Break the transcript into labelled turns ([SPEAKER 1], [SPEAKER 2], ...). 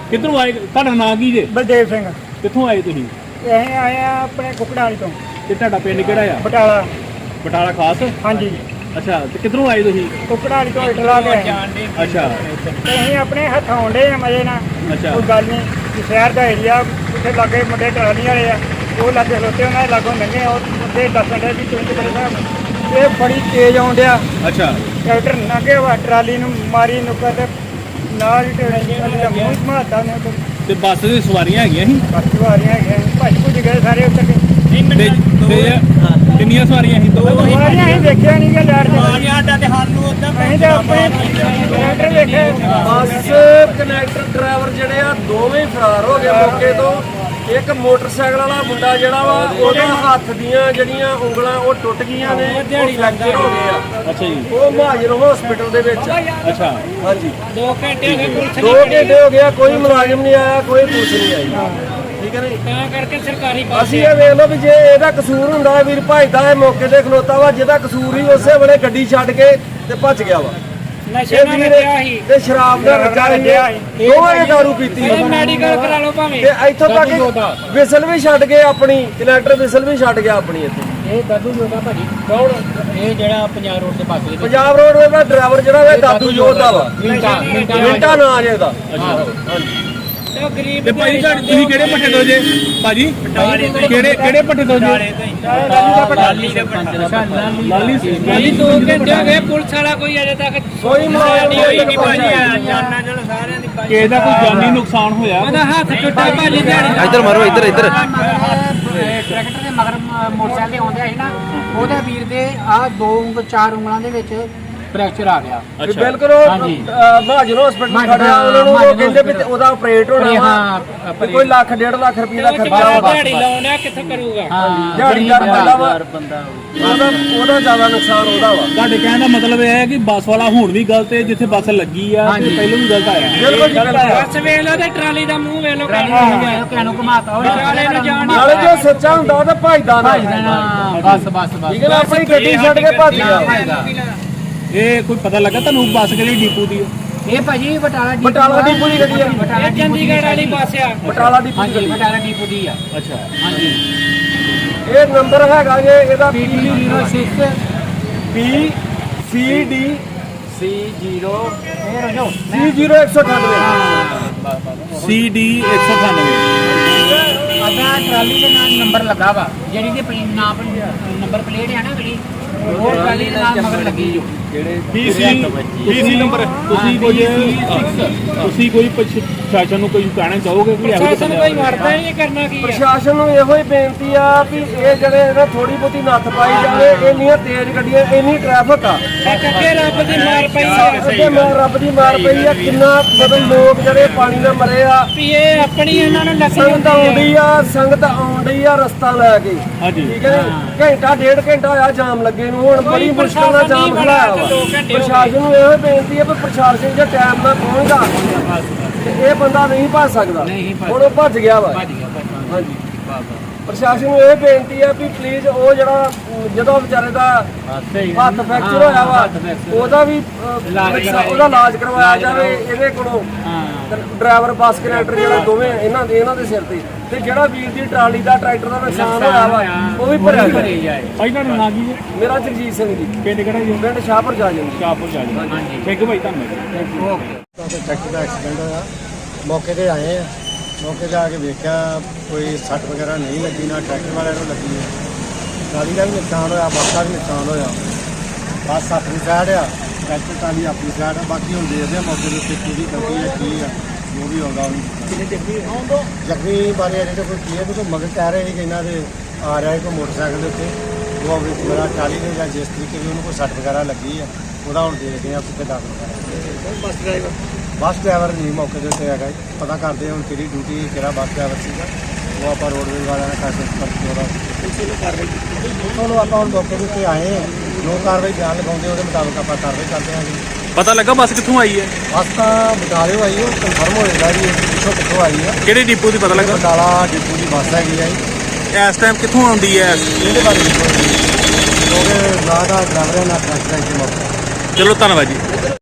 [SPEAKER 1] ਕਿੱਧਰੋਂ ਆਏ? ਤੁਹਾਡਾ ਨਾਂ ਕੀ ਜੇ?
[SPEAKER 2] ਬਲਦੇਵ ਸਿੰਘ।
[SPEAKER 1] ਕਿੱਥੋਂ ਆਏ ਤੁਸੀਂ?
[SPEAKER 2] ਅਸੀਂ ਆਏ ਆ ਆਪਣੇ ਕੁਕੜਾਲੀ ਤੋਂ।
[SPEAKER 1] ਤੇ ਤੁਹਾਡਾ ਪਿੰਡ ਕਿਹੜਾ ਆ?
[SPEAKER 2] ਬਟਾਲਾ।
[SPEAKER 1] ਬਟਾਲਾ ਖਾਸ?
[SPEAKER 2] ਹਾਂਜੀ।
[SPEAKER 1] ਅੱਛਾ, ਤੇ ਕਿੱਧਰੋਂ ਆਏ ਤੁਸੀਂ?
[SPEAKER 2] ਕੁਕੜਾਲੀ ਤੋਂ ਇਟਲਾ ਗਏ।
[SPEAKER 1] ਅੱਛਾ
[SPEAKER 2] ਤੇ ਅਸੀਂ ਆਪਣੇ ਹੱਥ ਆਉਂਦੇ ਆ ਮਜੇ ਨਾਲ।
[SPEAKER 1] ਅੱਛਾ।
[SPEAKER 2] ਕੋਈ ਗੱਲ ਨਹੀਂ ਕਿ ਸ਼ਹਿਰ ਦਾ ਏਰੀਆ ਉੱਥੇ ਲਾਗੇ ਮੁੰਡੇ ਟਰਾਲੀ ਵਾਲੇ ਆ, ਉਹ ਲਾਗੇ ਖਲੋਤੇ ਉਹਨਾਂ ਦੇ ਲਾਗੋਂ ਲੰਘੇ, ਉਹ ਮੁੰਡੇ ਦੱਸਣ ਦੇ ਵੀ ਤੁਸੀਂ ਬੜੇ ਸਾਹਿਬ ਇਹ ਬੜੀ ਤੇਜ਼ ਆਉਂਦਿਆ।
[SPEAKER 1] ਅੱਛਾ।
[SPEAKER 2] ਟਰੈਕਟਰ ਲੰਘੇ ਵਾ, ਟਰਾਲੀ ਨੂੰ ਮਾਰੀ ਨੁੱਕਰ ਤੇ ਨਾਲ ਹੀ ਮੂੰਹ ਮਾਰਦਾ ਨੇ।
[SPEAKER 1] ਤੇ ਬੱਸ ਦੀ ਸਵਾਰੀਆਂ ਹੈਗੀਆਂ ਸੀ?
[SPEAKER 2] ਬੱਸ ਸਵਾਰੀਆਂ ਹੈਗੀਆਂ, ਭੱਜ ਭੁੱਜ ਗਏ ਸਾਰੇ ਉੱਤਰ ਕੇ।
[SPEAKER 1] ਕਿੰਨੀਆਂ ਸਵਾਰੀਆਂ ਸੀ?
[SPEAKER 2] ਸਵਾਰੀਆਂ ਅਸੀਂ ਦੇਖਿਆ ਨਹੀਂ ਕਿ ਲੈਟ
[SPEAKER 3] ਸਾਡਾ ਤੇ ਸਾਨੂੰ ਉਦਾਂ
[SPEAKER 2] ਅਸੀਂ ਤਾਂ ਆਪਣੇ ਟਰੈਕਟਰ ਦੇਖੇ।
[SPEAKER 4] ਬੱਸ ਕਨੈਕਟਰ ਡਰਾਈਵਰ ਜਿਹੜੇ ਆ ਦੋਵੇਂ ਫਰਾਰ ਹੋ ਗਏ ਮੌਕੇ ਤੋਂ। ਇੱਕ ਮੋਟਰਸਾਈਕਲ ਵਾਲਾ ਮੁੰਡਾ ਜਿਹੜਾ ਵਾ ਉਹਦੇ ਹੱਥ ਦੀਆਂ ਜਿਹੜੀਆਂ ਉਂਗਲਾਂ ਉਹ ਟੁੱਟ ਗਈਆਂ ਨੇ, ਉਹ ਫ੍ਰੈਕਚਰ ਹੋ ਗਏ ਆ।
[SPEAKER 1] ਅੱਛਾ ਜੀ।
[SPEAKER 4] ਉਹ ਮਹਾਜਰ ਹਸਪੀਟਲ ਦੇ ਵਿੱਚ।
[SPEAKER 1] ਅੱਛਾ।
[SPEAKER 4] ਹਾਂਜੀ।
[SPEAKER 3] 2 ਘੰਟੇ ਹੋ ਗਏ ਪੁਲਿਸ
[SPEAKER 4] 2 ਘੰਟੇ ਹੋ ਗਿਆ, ਕੋਈ ਮੁਲਾਜ਼ਮ ਨਹੀਂ ਆਇਆ, ਕੋਈ ਪੁਲਿਸ ਨਹੀਂ ਆਈ। ਠੀਕ ਹੈ ਨਹੀਂ?
[SPEAKER 3] ਤਾਂ ਕਰਕੇ ਸਰਕਾਰੀ ਬੱਸ
[SPEAKER 4] ਅਸੀਂ ਇਹ ਵੇਖ ਲਓ ਵੀ ਜੇ ਇਹਦਾ ਕਸੂਰ ਹੁੰਦਾ ਵੀਰ ਭਜਦਾ ਇਹ ਮੌਕੇ ਤੇ ਖਲੋਤਾ ਵਾ, ਜਿਹਦਾ ਕਸੂਰ ਹੀ ਉਸੇ ਵੇਲੇ ਗੱਡੀ ਛੱਡ ਕੇ ਤੇ ਭੱਜ ਗਿਆ ਵਾ।
[SPEAKER 3] ਨਸ਼ੇ
[SPEAKER 4] ਇਹ
[SPEAKER 3] ਨਾਲ
[SPEAKER 4] ਵੀਰ
[SPEAKER 3] ਲੱਗਿਆ ਸੀ।
[SPEAKER 4] ਤੇ ਸ਼ਰਾਬ ਦਾ ਰੱਜਾ ਸੀ, ਦੋਵੇਂ ਦਾਰੂ ਪੀਤੀ
[SPEAKER 3] ਇਹ ਮੈਡੀਕਲ ਕਰਾ ਲਓ ਭਾਵੇਂ।
[SPEAKER 4] ਤੇ ਇੱਥੋਂ ਤੱਕ ਵਿਸਲ ਵੀ ਛੱਡ ਗਏ ਆਪਣੀ, ਕਨੈਕਟਰ ਵਿਸਲ ਵੀ ਛੱਡ ਗਿਆ ਆਪਣੀ ਇੱਥੇ।
[SPEAKER 3] ਇਹ ਦਾਦੂ ਜੋਦਾ ਭਾਜੀ
[SPEAKER 4] ਕੌਣ?
[SPEAKER 3] ਇਹ ਜਿਹੜਾ ਪੰਜਾਬ ਰੋਡ ਦੇ ਪਾਸੇ
[SPEAKER 4] ਪੰਜਾਬ ਰੋਡ ਦਾ ਡਰਾਈਵਰ ਜਿਹੜਾ ਵਾ ਦਾਦੂ ਜੋਧਾ ਵਾ। ਮਿੰਟਾ ਨਾਂ ਜੇ ਇਹਦਾ। ਹਾਂਜੀ।
[SPEAKER 3] ਤੇ ਉਹ ਗਰੀਬ
[SPEAKER 1] ਤੇ ਭਾਈ ਤੁਸੀਂ ਕਿਹੜੇ ਪੱਠੇ ਤੋਂ ਜੇ ਭਾਜੀ? ਕਿਹੜੇ ਪੱਠੇ ਤੋਂ ਜੇ?
[SPEAKER 3] ਲਾਲੀ ਦੇ
[SPEAKER 1] ਲਾਲੀ
[SPEAKER 3] ਲਾਲੀ 2 ਘੰਟੇ ਹੋ ਗਏ, ਪੁਲਿਸ ਵਾਲਾ ਕੋਈ ਅਜੇ ਤੱਕ
[SPEAKER 4] ਕੋਈ ਮੁਲਾਜ਼ਮ
[SPEAKER 3] ਨਹੀਂ ਹੋਈ ਨਹੀਂ ਭਾਜੀ। ਜਾਨਾਂ ਚਲ ਸਾਰਿਆਂ ਦੀ ਭਾਜੀ।
[SPEAKER 1] ਕਿਸੇ ਦਾ ਕੋਈ ਜਾਨੀ ਨੁਕਸਾਨ ਹੋਇਆ?
[SPEAKER 3] ਉਹਦਾ ਹੱਥ ਟੁੱਟਾ ਭਾਜੀ ਦਿਹਾੜੀ।
[SPEAKER 5] ਇੱਧਰ ਮਾਰੋ, ਇੱਧਰ
[SPEAKER 6] ਟਰੈਕਟਰ ਦੇ ਮਗਰ ਮੋਟਰਸਾਈਕਲ ਤੇ ਆਉਂਦੇ ਸੀ ਨਾ, ਉਹਦੇ ਵੀਰ ਦੇ ਆਹ 4 ਉਂਗਲਾਂ ਦੇ ਵਿੱਚ ਫ੍ਰੈਕਚਰ ਆ ਗਿਆ।
[SPEAKER 4] ਵੀ ਬਿਲਕੁਲ ਮਹਾਜਰ ਹਸਪੀਟਲ ਖੜਿਆ, ਉਹਨਾਂ ਨੂੰ ਉਹ ਕਹਿੰਦੇ ਵੀ ਉਹਦਾ ਆਪਰੇਟ ਹੋਣਾ ਵਾ, ਵੀ ਕੋਈ ਲੱਖ 1.5 ਲੱਖ ਰੁਪਏ ਦਾ ਖਰਚਾ ਵਾ।
[SPEAKER 3] ਦਿਹਾੜੀ ਲਾਉਣਾ ਕਿੱਥੋਂ ਕਰੂਗਾ?
[SPEAKER 4] ਦਿਹਾੜੀਦਾਰ ਬੰਦਾ ਵਾ, ਉਹਦਾ ਜ਼ਿਆਦਾ ਨੁਕਸਾਨ ਉਹਦਾ ਵਾ।
[SPEAKER 1] ਤੁਹਾਡੇ ਕਹਿਣ ਦਾ ਮਤਲਬ ਇਹ ਹੈ ਕਿ ਬੱਸ ਵਾਲਾ ਹੁਣ ਵੀ ਗਲਤ ਹੈ, ਜਿੱਥੇ ਬੱਸ ਲੱਗੀ ਆ ਤੇ ਪਹਿਲਾਂ ਵੀ ਗਲਤ ਆਇਆ।
[SPEAKER 4] ਬਿਲਕੁਲ ਜੀ, ਬਿਲਕੁਲ।
[SPEAKER 3] ਬੱਸ ਵੇਖ ਲਓ ਤੇ ਟਰਾਲੀ ਦਾ ਮੂੰਹ ਵੇਖ ਲਓ।
[SPEAKER 6] ਕਿਹਨੂੰ ਘੁਮਾਤਾ ਹੋਵੇ
[SPEAKER 3] ਟਰਾਲੇ ਨੂੰ ਜਾਣ
[SPEAKER 4] ਨਾਲੇ ਜੋ ਸੱਚਾ ਹੁੰਦਾ ਉਹ ਤਾਂ ਭਜਦਾ ਨਾ।
[SPEAKER 6] ਬਸ
[SPEAKER 4] ਠੀਕ ਹੈ ਨਾ? ਆਪਣੀ ਗੱਡੀ ਛੱਡ ਕੇ ਭੱਜ ਗਿਆ।
[SPEAKER 1] ਇਹ ਕੋਈ ਪਤਾ ਲੱਗਾ ਤੁਹਾਨੂੰ ਬੱਸ ਕਿਹੜੀ ਡਿਪੂ ਦੀ ਹੈ?
[SPEAKER 6] ਇਹ ਭਾਜੀ ਬਟਾਲਾ
[SPEAKER 4] ਡਿਪੂ ਦੀ ਗੱਡੀ ਆ।
[SPEAKER 3] ਇਹ ਚੰਡੀਗੜ੍ਹ ਵਾਲੀ ਬੱਸ ਆ।
[SPEAKER 4] ਬਟਾਲਾ ਡਿਪੂ
[SPEAKER 6] ਹਾਂਜੀ, ਬਟਾਲਾ ਡਿਪੂ ਦੀ ਆ।
[SPEAKER 1] ਅੱਛਾ।
[SPEAKER 6] ਹਾਂਜੀ।
[SPEAKER 4] ਇਹ ਨੰਬਰ ਹੈਗਾ ਜੇ ਇਹਦਾ
[SPEAKER 6] PB06
[SPEAKER 4] BCD
[SPEAKER 6] C0 ਇਹ ਰਜੋ
[SPEAKER 4] C0198।
[SPEAKER 1] CD 198।
[SPEAKER 6] ਅੱਗਾ ਟਰਾਲੀ ਦੇ ਨਾਲ ਨੰਬਰ ਲੱਗਾ ਵਾ, ਜਿਹੜੀ ਦੇ ਨਾਮ ਨੰਬਰ ਪਲੇਟ ਹੈ ਨਾ ਜਿਹੜੀ, ਉਹ ਟਰਾਲੀ ਦੇ ਨਾਲ ਮਗਰ ਲੱਗੀ ਜੋ।
[SPEAKER 1] BC number. ਤੁਸੀਂ ਕੋਈ ਪ੍ਰਸ਼ਾਸਨ ਨੂੰ ਕੋਈ ਕਹਿਣਾ ਚਾਹੋਗੇ ਕਿ ਇਹੋ
[SPEAKER 3] ਪ੍ਰਸ਼ਾਸਨ ਕੋਈ ਵੜਦਾ ਹੀ ਨਹੀਂ, ਕਰਨਾ ਕੀ ਆ?
[SPEAKER 4] ਪ੍ਰਸ਼ਾਸਨ ਨੂੰ ਇਹੋ ਹੀ ਬੇਨਤੀ ਆ ਵੀ ਇਹ ਜਿਹੜੇ ਇਹਨਾਂ ਥੋੜੀ ਬਹੁਤੀ ਨੱਥ ਪਾਈ ਜਾਵੇ। ਇੰਨੀਆਂ ਤੇਜ਼ ਗੱਡੀਆਂ, ਇੰਨੀ ਟ੍ਰੈਫਿਕ ਆ,
[SPEAKER 3] ਇੱਕ ਅੱਗੇ ਰੱਬ ਦੀ ਮਾਰ ਪਈ ਆ।
[SPEAKER 4] ਅੱਗੇ ਰੱਬ ਦੀ ਮਾਰ ਪਈ ਆ। ਕਿੰਨਾ ਮਤਲਬ ਲੋਕ ਜਿਹੜੇ ਪਾਣੀ ਨਾਲ ਮਰੇ ਆ।
[SPEAKER 3] ਵੀ ਇਹ ਆਪਣੀ ਇਹਨਾਂ ਨੂੰ ਲੱਗੀ
[SPEAKER 4] ਸੰਗਤ ਆਉਂਦੀ ਆ, ਸੰਗਤ ਆਉਂਦੀ ਆ ਰਸਤਾ ਲੈ ਕੇ।
[SPEAKER 1] ਹਾਂਜੀ।
[SPEAKER 4] ਠੀਕ ਹੈ ਜੀ? ਘੰਟਾ 1.5 ਘੰਟਾ ਹੋਇਆ ਜਾਮ ਲੱਗੇ ਨੂੰ, ਹੁਣ ਬੜੀ ਮੁਸ਼ਕਲ ਨਾਲ ਜਾਮ ਖੜਾਇਆ ਵਾ। ਪ੍ਰਸ਼ਾਸਨ ਨੂੰ ਇਹੋ ਬੇਨਤੀ ਹੈ ਵੀ ਪ੍ਰਸ਼ਾਸਨ ਜੇ ਟਾਈਮ ਨਾਲ ਪਹੁੰਚਦਾ ਤੇ ਇਹ ਬੰਦਾ ਨਹੀਂ ਭੱਜ ਸਕਦਾ। ਹੁਣ ਉਹ ਭੱਜ ਗਿਆ ਵਾ। ਹਾਂਜੀ। ਪ੍ਰਸ਼ਾਸਨ ਨੂੰ ਇਹ ਬੇਨਤੀ ਹੈ ਵੀ ਪਲੀਜ਼ ਉਹ ਜਿਹੜਾ ਜਦੋਂ ਵਿਚਾਰੇ ਦਾ ਹੱਥ ਫ੍ਰੈਕਚਰ ਹੋਇਆ ਵਾ ਉਹਦਾ ਵੀ ਉਹਦਾ ਇਲਾਜ ਕਰਵਾਇਆ ਜਾਵੇ ਇਹਦੇ ਕੋਲੋਂ। ਡਰਾਈਵਰ ਬੱਸ ਕਨੈਕਟਰ ਜਿਹੜਾ ਦੋਵੇਂ ਇਹਨਾਂ ਦੇ ਸਿਰ ਤੇ ਜਿਹੜਾ ਵੀਰ ਦੀ ਟਰਾਲੀ ਦਾ ਟਰੈਕਟਰ ਦਾ ਨੁਕਸਾਨ ਹੋਇਆ ਵਾ ਉਹ ਵੀ ਭਰਿਆ ਜਾਏ।
[SPEAKER 1] ਭਾਈ ਤੁਹਾਡਾ ਨਾਂ ਕੀ ਹੈ?
[SPEAKER 4] ਮੇਰਾ ਜਗਜੀਤ ਸਿੰਘ ਜੀ,
[SPEAKER 1] ਪਿੰਡ ਕਿਹੜਾ ਜੀ?
[SPEAKER 4] ਪਿੰਡ ਸ਼ਾਹਪੁਰ ਜਾ ਜੀ।
[SPEAKER 1] ਸ਼ਾਹਪੁਰ ਜਾ ਜੀ। ਥੈਂਕ ਯੂ ਭਾਈ, ਧੰਨਵਾਦ।
[SPEAKER 7] ਟਰੈਕਟਰ ਦਾ ਐਕਸੀਡੈਂਟ ਹੋਇਆ, ਮੌਕੇ ਤੇ ਆਏ ਆ। ਮੌਕੇ ਤੇ ਆ ਕੇ ਵੇਖਿਆ ਕੋਈ ਸੱਟ ਵਗੈਰਾ ਨਹੀਂ ਲੱਗੀ, ਨਾ ਟਰੈਕਟਰ ਵਾਲਿਆਂ ਨੂੰ ਲੱਗੀ ਹੈ। ਟਰਾਲੀ ਦਾ ਵੀ ਨੁਕਸਾਨ ਹੋਇਆ, ਬੱਸ ਦਾ ਵੀ ਨੁਕਸਾਨ ਹੋਇਆ। ਬੱਸ ਆਪਣੀ ਸਾਈਡ ਆ, ਟਰੈਕਟਰ ਟਰਾਲੀ ਆਪਣੀ ਸਾਈਡ ਆ। ਬਾਕੀ ਹੁਣ ਦੇਖਦੇ ਆ ਮੌਕੇ ਦੇ ਉੱਤੇ ਕਿਹਦੀ ਗਲਤੀ ਹੈ, ਕੀ ਆ, ਜੋ ਵੀ ਆਉਂਦਾ ਉਹਨੂੰ। ਜ਼ਖਮੀ ਬਾਰੇ ਅਜੇ ਤਾਂ ਕੋਈ ਕਲੀਅਰ ਨਹੀਂ। ਕੋਈ ਮਗਰ ਕਹਿ ਰਹੇ ਸੀ ਕਿ ਇਹਨਾਂ ਦੇ ਆ ਰਿਹਾ ਕੋਈ ਮੋਟਰਸਾਈਕਲ ਦੇ ਉੱਤੇ, ਉਹ ਆਪਣੀ ਮੇਰਾ ਟਰਾਲੀ ਦੇ ਜਾਂ ਜਿਸ ਤਰੀਕੇ ਦੀ ਉਹਨੂੰ ਕੋਈ ਸੱਟ ਵਗੈਰਾ ਲੱਗੀ ਆ, ਉਹਦਾ ਹੁਣ ਦੇਖਦੇ ਆ ਕਿੱਥੇ ਦਾਖਲ ਕਰਾਂਗੇ। ਬੱਸ ਡਰਾਈਵਰ ਨਹੀਂ ਮੌਕੇ ਦੇ ਉੱਤੇ ਹੈਗਾ, ਪਤਾ ਕਰਦੇ ਹੁਣ ਕਿਹੜੀ ਡਿਊਟੀ, ਕਿਹੜਾ ਬੱਸ ਡਰਾਈਵਰ ਸੀਗਾ। ਉਹ ਆਪਾਂ ਰੋਡਵੇਜ਼ ਵਾਲਿਆਂ ਨੇ ਕਰਕੇ ਉਹਦਾ ਆਪਾਂ ਹੁਣ ਮੌਕੇ ਦੇ ਉੱਤੇ ਆਏ ਹਾਂ। ਜੋ ਕਾਰਵਾਈ ਬਿਆਨ ਲਗਾਉਂਦੇ ਉਹਦੇ ਮੁਤਾਬਕ ਆਪਾਂ ਕਾਰਵਾਈ ਕਰਦੇ ਹਾਂ ਜੀ।
[SPEAKER 1] ਪਤਾ ਲੱਗਾ ਬੱਸ ਕਿੱਥੋਂ ਆਈ ਹੈ?
[SPEAKER 7] ਬੱਸ ਤਾਂ ਬਟਾਲਿਓ ਆਈ, ਉਹ ਕਨਫਰਮ ਹੋ ਜਾਂਦਾ ਜੀ ਪਿੱਛੋਂ ਕਿੱਥੋਂ ਆਈ ਆ।
[SPEAKER 1] ਕਿਹੜੇ ਡਿਪੂ ਦੀ ਪਤਾ ਲੱਗਾ?
[SPEAKER 7] ਬਟਾਲਾ ਡਿਪੂ ਦੀ ਬੱਸ ਹੈਗੀ ਆ ਜੀ।
[SPEAKER 1] ਇਸ ਟਾਈਮ ਕਿੱਥੋਂ ਆਉਂਦੀ ਹੈ?
[SPEAKER 7] ਇਹਦੇ ਬਾਰੇ ਕਿਉਂਕਿ ਨਾ ਦਾ ਡਰਾਈਵਰ ਹੈ ਨਾ ਟਰੈਕਟਰ ਹੈ।
[SPEAKER 1] ਚਲੋ ਧੰਨਵਾਦ ਜੀ।